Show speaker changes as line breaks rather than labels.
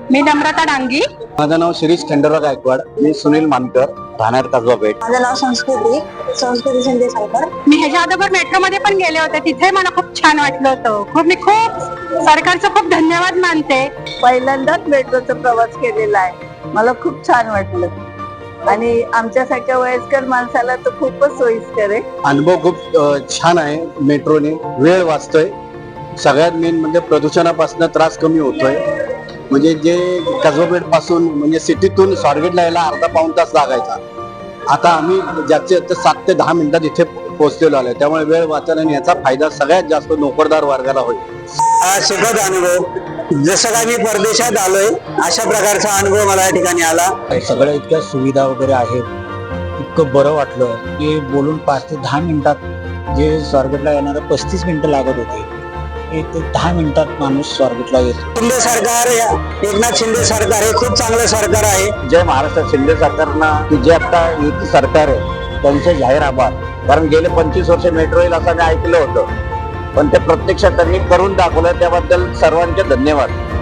मी नम्रता डांगी.
माझं नाव शिरीष खंडेराव गायकवाड. मी सुनील मानकर, राहणार कसबा पेठ.
माझं नाव संस्कृती शिंदे सावकर.
मी ह्याच्या अगोदर मेट्रो मध्ये पण गेले होते, तिथे मला खूप छान वाटलं होतं. मी खूप सरकारचं खूप धन्यवाद मानते.
पहिल्यांदाच मेट्रोचा प्रवास केलेला आहे, मला खूप छान वाटलं आणि आमच्यासारख्या वयस्कर माणसाला तर खूपच सोयीस्कर आहे.
अनुभव खूप छान आहे. मेट्रोने वेळ वाचतोय. सगळ्यात मेन म्हणजे प्रदूषणापासून त्रास कमी होतोय. म्हणजे जे कसबा पेठ पासून म्हणजे सिटीतून स्वारगेटला यायला अर्धा पाऊण तास लागायचा, आता आम्ही ज्याचे 7 ते 10 मिनिटात इथे पोहोचलेलो आलोय. त्यामुळे वेळ वाचन आणि याचा फायदा सगळ्यात जास्त नोकरदार वर्गाला होईल.
हा सुखद अनुभव, जसं काय मी परदेशात आलोय अशा प्रकारचा अनुभव मला या ठिकाणी आला.
सगळ्या इतक्या सुविधा वगैरे आहेत, इतकं बरं वाटलं की बोलून 5 ते 10 मिनिटात जे स्वारगेटला येणारं 35 मिनिटं लागत होते, 1 ते 10 मिनिटात माणूस स्वारगेटला येतो.
शिंदे सरकार, एकनाथ शिंदे सरकार हे खूप चांगलं सरकार आहे.
जय महाराष्ट्र. शिंदे सरकारनं जे आता युती सरकार आहे त्यांचे जाहीर आभार. कारण गेले 25 वर्ष मेट्रो येईल असं मी ऐकलं होतं, पण ते प्रत्यक्षात त्यांनी करून दाखवलं, त्याबद्दल सर्वांचे धन्यवाद.